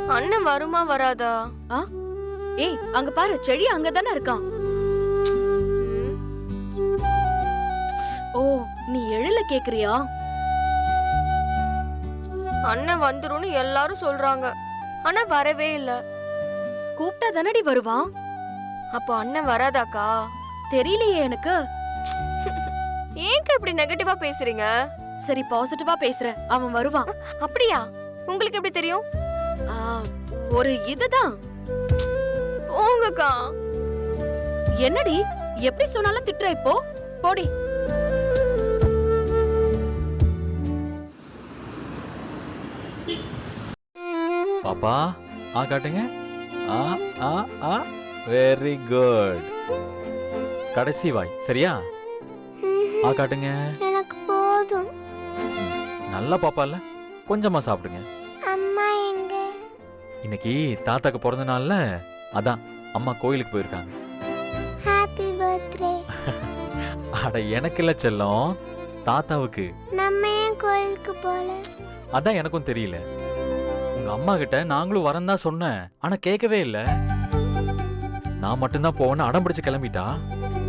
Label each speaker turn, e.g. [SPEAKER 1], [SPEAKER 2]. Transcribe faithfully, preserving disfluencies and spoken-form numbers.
[SPEAKER 1] அண்ணன் வருமா வராதா?
[SPEAKER 2] ஆ ஏய் அங்க பாரு, செடி அங்கதானே இருக்கான். ஓ நீ எழில கேக்குறியா?
[SPEAKER 1] அண்ணன் வந்துரும்னு எல்லாரும் சொல்றாங்க, ஆனா வரவே இல்ல.
[SPEAKER 2] கூப்பிட்டா தானடி வருவான்.
[SPEAKER 1] அப்போ அண்ணன் வராதாக்கா?
[SPEAKER 2] தெரியலையே எனக்கு.
[SPEAKER 1] ஏங்க இப்படி நெகட்டிவா பேசுறீங்க?
[SPEAKER 2] சரி பாசிட்டிவா பேசுறேன், அவன் வருவான்.
[SPEAKER 1] அப்படியா? உங்களுக்கு எப்படி தெரியும்?
[SPEAKER 2] ஆ, ஒரு இதுதான்.
[SPEAKER 1] போங்கக்கா.
[SPEAKER 2] என்னடி எப்படி சொன்னாலும் திட்டுற, இப்போ போடி.
[SPEAKER 3] பாப்பா ஆ காட்டுங்க. ஆ ஆ ஆ வெரி குட். கடைசி வாய் சரியா? ஆ காட்டுங்க.
[SPEAKER 4] எனக்கு போதும்.
[SPEAKER 3] நல்லா பாப்பா இல்ல, கொஞ்சமா சாப்பிடுங்க.
[SPEAKER 4] அம்மா எங்க?
[SPEAKER 3] இன்னைக்கு தாத்தாக்கு பிறந்த நாள்ல, அதான் அம்மா கோயிலுக்கு போயிருக்காங்க.
[SPEAKER 4] Happy birthday.
[SPEAKER 3] அட எனக்கு இல்ல செல்லம், தாத்தாவுக்கு.
[SPEAKER 4] நம்ம ஏன் கோயிலுக்கு போல?
[SPEAKER 3] அதான் எனக்கும் தெரியல. உங்க அம்மா கிட்ட நாங்களும் வரேன் தான் சொன்னேன், ஆனா கேட்கவே இல்ல. நான் மட்டும்தான் போவேன்னு அடம் பிடிச்சு கிளம்பிட்டா.